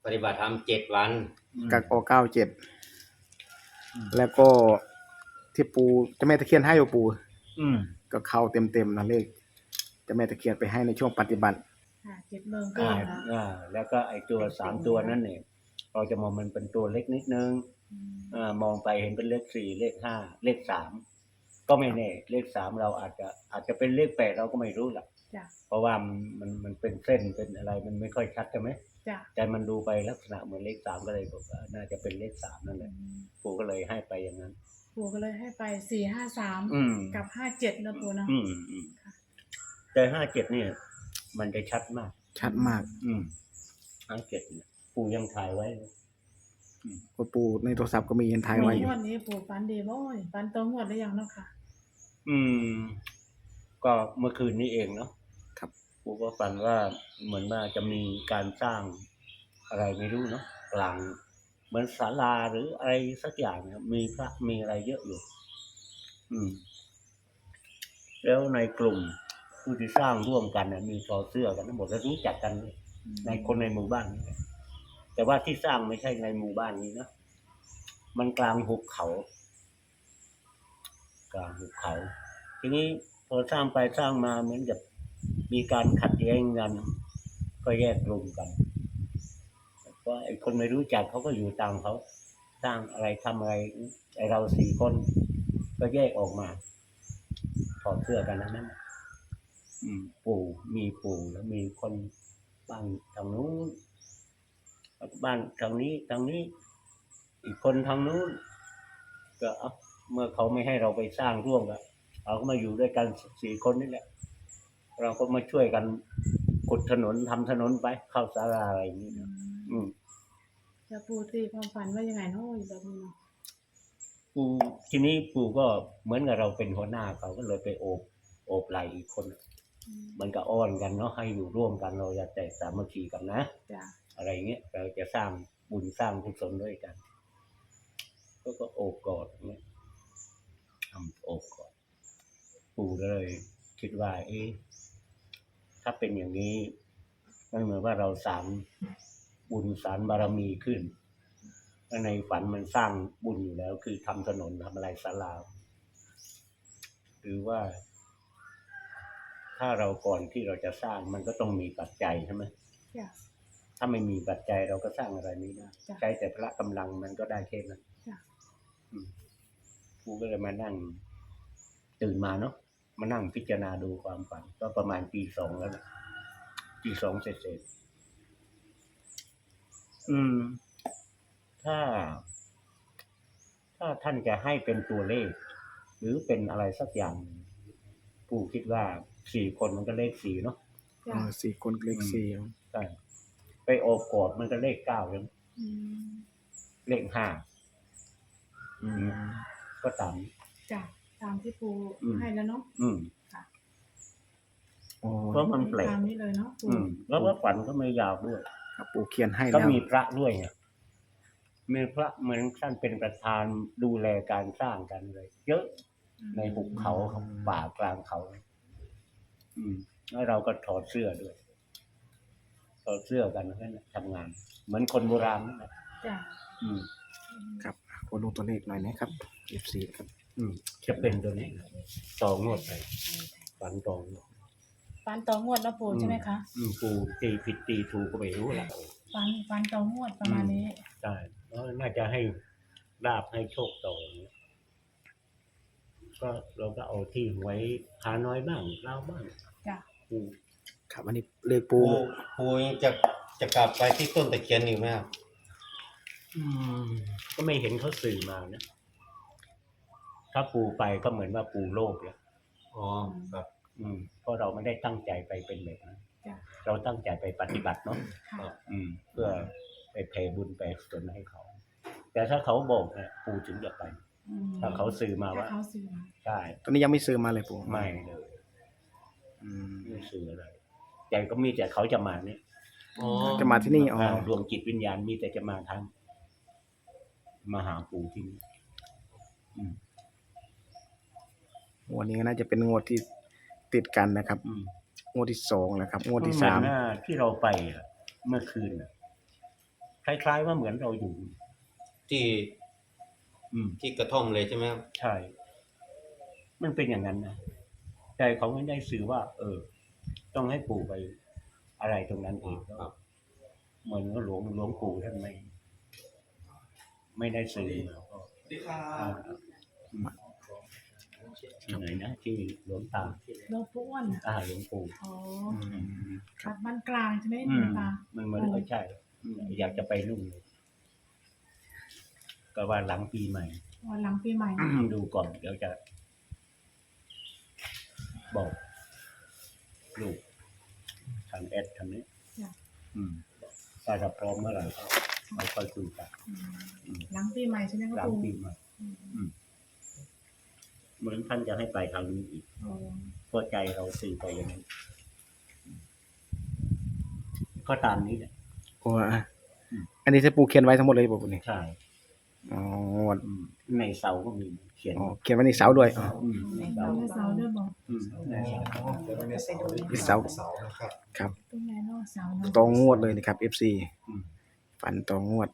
ปฏิบัติธรรม7 วันกักอ97แล้วก็ที่ปูเจ้าแม่ตะเคียนให้อยู่ปูก็เข้าเต็มนะเลขเจ้าแม่ตะเคียนไปให้ในช่วงปฏิบัติ 7 โมงครึ่งแล้วก็ไอตัว3ตัวนั้นเนี่ยเราจะมองมันเป็นตัวเล็กนิดนึงมองไปเห็นเป็นเลข4เลข5เลข3ก็ไม่แน่เลข3เราอาจจะเป็นเลข8เราก็ไม่รู้ล่ะเพราะว่ามันเป็นเส้นเป็นอะไรมันไม่ค่อยชัดใช่ไหมแต่มันดูไปลักษณะเหมือนเลข3ก็เลยบอกว่าน่าจะเป็นเลข3นั่นแหละปู่ก็เลยให้ไปอย่างนั้นปู่ก็เลยให้ไป453กับ57นะปู่เนาะแต่57เนี่ยมันจะชัดมาก57เนี่ยปู่ยังถ่ายไว้ก็ปู่ในโทรศัพท์ก็มียันถ่ายไว้อยู่งวดนี้ปู่ฝันดีบ่อยฝันตรงงวดได้ยังเนาะค่ะก็เมื่อคืนนี้เองเนาะครับปู่ก็ฝันว่าเหมือนว่าจะมีการสร้างอะไรไม่รู้เนาะกลางเหมือนศาลาหรืออะไรสักอย่างเนี่ยมีพระมีอะไรเยอะอยู่แล้วในกลุ่มผู้ที่สร้างร่วมกันมีต่อเสื้อกันทั้งหมดแล้วรู้จักกันในคนในหมู่บ้านแต่ว่าที่สร้างไม่ใช่ในหมู่บ้านนี้นะมันกลางหุบเขาทีนี้พอสร้างไปสร้างมาเหมือนกับมีการขัดแย้งกันก็แยกกลุ่มกันเพราะไอ้คนไม่รู้จักเขาก็อยู่ตามเขาสร้างอะไรทำอะไรไอ้เรา4 คนก็แยกออกมาถอดเสื้อกันนั้นปู่แล้วมีคนบ้านทางนู้นบ้านทางนี้อีกคนทางนู้นก็เมื่อเขาไม่ให้เราไปสร้างร่วมกันเราก็มาอยู่ด้วยกัน4 คนนี่แหละเราก็มาช่วยกันขุดถนนทำถนนไปเข้าศาลาอะไรอย่างนี้นะจะปู่ตีความฝันว่ายังไงเนาะอยู่แบบนี้เนาะปู่ทีนี้ปู่ก็เหมือนกับเราเป็นหัวหน้าเขาก็เลยไปโอบไหล่อีกคนมันก็อ้อนกันเนาะให้อยู่ร่วมกันเราจะแตกสามัคคีกันนะอะไรเงี้ยเราจะสร้างบุญสร้างกุศลด้วยกันก็โอบกอดเงี้ยทำโอบกอดปู่เลยคิดว่าถ้าเป็นอย่างนี้มันเหมือนว่าเราสร้างบุญสร้างบารมีขึ้นในฝันมันสร้างบุญอยู่แล้วคือทำถนนทำอะไรศาลาหรือว่าถ้าเราก่อนที่เราจะสร้างมันก็ต้องมีปัจจัยใช่ไหมถ้าไม่มีปัจจัยเราก็สร้างอะไรไม่ได้ใช้แต่พละกำลังมันก็ได้แค่นั้นกูก็เลยมานั่งตื่นมาเนาะมานั่งพิจารณาดูความฝันก็ประมาณปี 2แล้วนะปี 2เสร็จถ้าท่านจะให้เป็นตัวเลขหรือเป็นอะไรสักอย่างปู่คิดว่า4 คนมันก็เลข4เนาะ 4 คนเลข4 ใช่ไปโอบกอดมันก็เลข9เลยเลข5ก็ตามที่ปู่ให้แล้วเนาะค่ะเพราะมันแปลกตามนี้เลยเนาะแล้วว่าฝันก็ไม่ยาวด้วยปู่เขียนให้แล้วก็มีพระด้วยไงมีพระเหมือนท่านเป็นประธานดูแลการสร้างกันเลยเยอะในหุบเขาป่ากลางเขาแล้วเราก็ถอดเสื้อด้วยถอดเสื้อกันนั่นแหละทำงานเหมือนคนโบราณนั่นแหละครับขอดูตัวเลขหน่อยนะครับ F4 ครับจะเป็นตัวนี้ต่องวดไปฝันต่องวดแล้วปู่ใช่ไหมคะปู่ตีผิดตีถูกก็ไม่รู้ละฝันต่องวดประมาณนี้ใช่แล้วน่าจะให้ลาภให้โชคต่อก็เราก็เอาที่ไว้หาน้อยบ้างเล่าบ้างครับอันนี้เลขปู่จะกลับไปที่ต้นตะเคียนอีกไหมครับก็ไม่เห็นเขาสื่อมานะถ้าปู่ไปก็เหมือนว่าปู่โลภแล้วครับเพราะเราไม่ได้ตั้งใจไปเป็นแบบนั้นเราตั้งใจไปปฏิบัติเนาะเพื่อไปแผ่บุญไปกุศลให้เขาแต่ถ้าเขาบอกเนี่ยปู่ถึงจะไปถ้าเขาสื่อมาว่าใช่ตอนนี้ยังไม่สื่อมาเลยปู่ไม่เลยไม่สื่ออะไรใจก็มีแต่เขาจะมาเนี่ยจะมาที่นี่ดวงจิตวิญญาณมีแต่จะมาทางมาหาปู่ที่นี่วันนี้น่าจะเป็นงวดที่ติดกันนะครับงวดที่2นะครับงวดที่3 ที่เราไปเมื่อคืนคล้ายๆว่าเหมือนเราอยู่ที่ ที่กระท่อมเลยใช่ไหมครับใช่ มันเป็นอย่างนั้นนะแต่เขาไม่ได้สื่อว่า ต้องให้ปู่ไปอะไรตรงนั้นเองครับเหมือนว่าหลวงปู่ท่านไม่ได้สื่อที่ไหนนะที่หลวงตาหลวงปู่อ้วนหลวงปู่อ๋อวัดบ้านกลางใช่ไหมหลวงตามันเหมือนใช่ อยากจะไปนู่นเลยก็ว่าหลังปีใหม่วันหลังปีใหม่ดูก่อนเดี๋ยวจะ บอกลูกทางแอดทางนี้จ้ะถ้าจะพร้อมเมื่อไหร่ก็ไม่ค่อยคุยกันหลังปีใหม่ใช่ไหมครับหลังปู่ปีใหม่เหมือนท่านจะให้ไปทางนี้อีกอ๋อเพราะใจเราสื่อไปอย่างนั้นก็ตามนี้แหละโอ้อันนี้ที่ปูเขียนไว้ทั้งหมดเลยปู่นี่ใช่อ๋อในเสาก็มีเขียนเขียนไว้ในเสาด้วยอ๋อในเสาแล้วเสาด้วยบอกในเสาในเสาครับตรงไหนเนาะเสาเนาะตรงงวดเลยนะครับ FC ฝันตรงงวด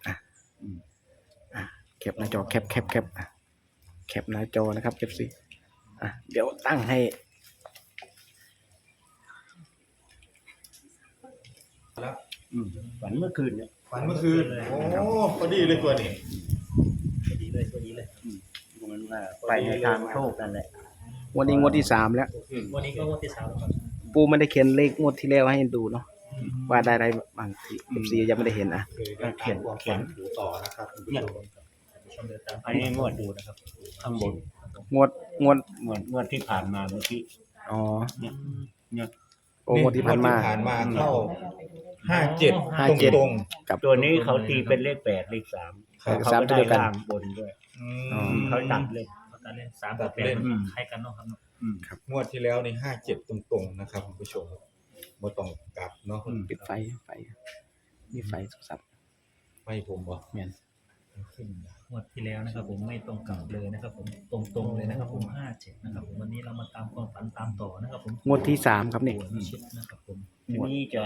แคปหน้าจอแคปแคปหน้าจอนะครับ FC เดี๋ยวตั้งให้ฝันเมื่อคืนเนี่ยฝันเมื่อคืน โอ้พอดีเลยตัวนี้มันว่าไปในทางโชคนั่นแหละงวดนี้งวดที่3แล้ววันนี้ก็งวดที่ 3แล้วครับปูไม่ได้เขียนเลขงวดที่แล้วให้ดูเนาะว่าได้อะไรบางที FC ยังไม่ได้เห็นนะเขียนถูต่อนะครับคุณผู้ชมชมเดินตามอันนี้งวดดูนะครับ ข้างบนงวดที่ผ่านมาเมื่อกี้อ๋อเนี่ยโอ้งวดที่ผ่านมาเข้า57 ตรงกับตัวนี้เขาตีเป็นเลข8เลข3 ครับเขาก็ได้ล่างบนด้วย เขาตัดเลยการเล่น3กับเล่น 8คล้ายกันเนาะครับเนาะงวดที่แล้วนี่57 ตรงๆนะครับคุณผู้ชมบ่ต้องกลับเนาะปิดไฟมีไฟโทรศัพท์ไม่ผมบ่แม่นขึ้นงวดที่แล้วนะครับผมไม่ตรงกับเลยนะครับผมตรงๆเลยนะครับผม57นะครับผมวันนี้เรามาตามความฝันตามต่อนะครับผมงวดที่3ครับนี่ปู่นิชิตนะครับผมทีนี้จะ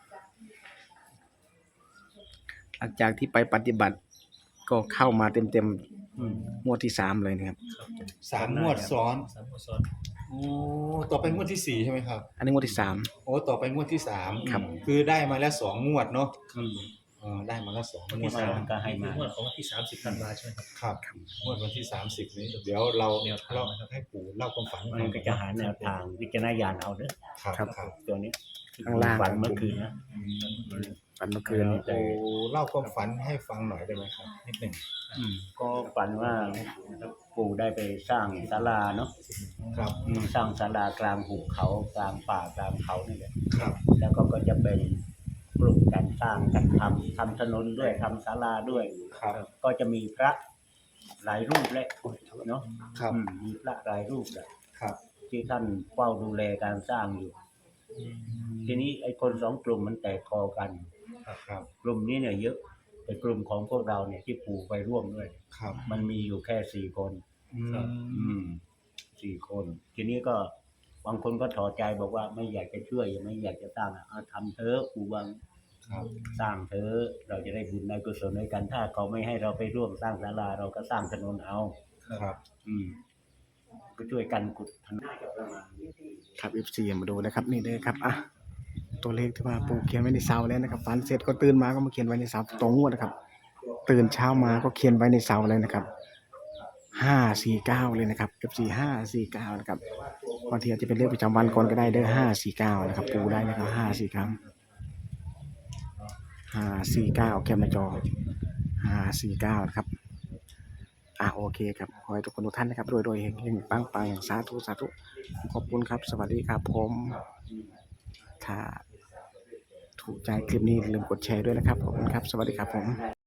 หลังจากที่ไปปฏิบัติ ก็เข้ามาเต็มงวดที่3เลยนะครับครับผม 3 งวดซ้อน 3งวดซ้อนโอ้ต่อไปงวดที่4ใช่ไหมครับอันนี้งวดที่3 โอ้ต่อไปงวดที่3 ครับคือได้มาแล้ว2 งวดเนาะอืมได้มาแล้ว2 งวันวที่ด 3 ก็ให้มางวดของวันที่30ธันวาใช่ไหมครับครับงวดวันที่30นี้เดี๋ยวเราให้ปู่เล่าความฝันมันก็จะหาแนวทางวิจารณญาณเอาเด้อครับตัวนี้ข้างล่างฝันเมื่อคืนนะฝันเมื่อคืนนี้โอ้เล่าความฝันให้ฟังหน่อยได้ไหมครับนิดหนึ่งก็ฝันว่าปู่ได้ไปสร้างศาลาเนาะครับสร้างศาลากลางหุบเขากลางป่ากลางเขานี่แหละครับแล้วก็จะเป็นกลุ่มการสร้างกันทำถนนด้วยทำศาลาด้วยครับก็จะมีพระหลายรูปเลยเนาะครับมีพระหลายรูปแหละครับที่ท่านเฝ้าดูแลการสร้างอยู่ ทีนี้ไอ้คนสองกลุ่มมันแตกคอกันครับกลุ่มนี้เนี่ยเยอะแต่กลุ่มของพวกเราเนี่ยที่ปู่ไปร่วมด้วยครับมันมีอยู่แค่4 คน 4 คน ทีนี้ก็บางคนก็ถอดใจบอกว่าไม่อยากจะช่วยไม่อยากจะสร้างทำเถอะปู่วังครับสร้างเถอะเราจะได้บุญในกุศลด้วยกันถ้าเขาไม่ให้เราไปร่วมสร้างศาลาเราก็สร้างถนนเอาครับก็ช่วยกันกุดถนนครับ FC มาดูนะครับนี่เลยครับตัวเลขที่ว่าปู่เขียนไว้ในเสาแล้วนะครับฝันเสร็จก็ตื่นมาก็มาเขียนไว้ในเสาตรงงวดนะครับตื่นเช้ามาก็เขียนไว้ในเสาเลยนะครับ549เลยนะครับ FC 549นะครับบางทีอาจจะเป็นเลขประจำวันก่อนก็ได้เด้อ549นะครับปู่ได้นะครับ549แคปหน้าจอ549นะครับโอเคครับขอให้ทุกคนทุกท่านนะครับรวยๆเฮงๆปังๆสาธุขอบคุณครับสวัสดีครับผมถ้าถูกใจคลิปนี้อย่าลืมกดแชร์ด้วยนะครับขอบคุณครับสวัสดีครับผม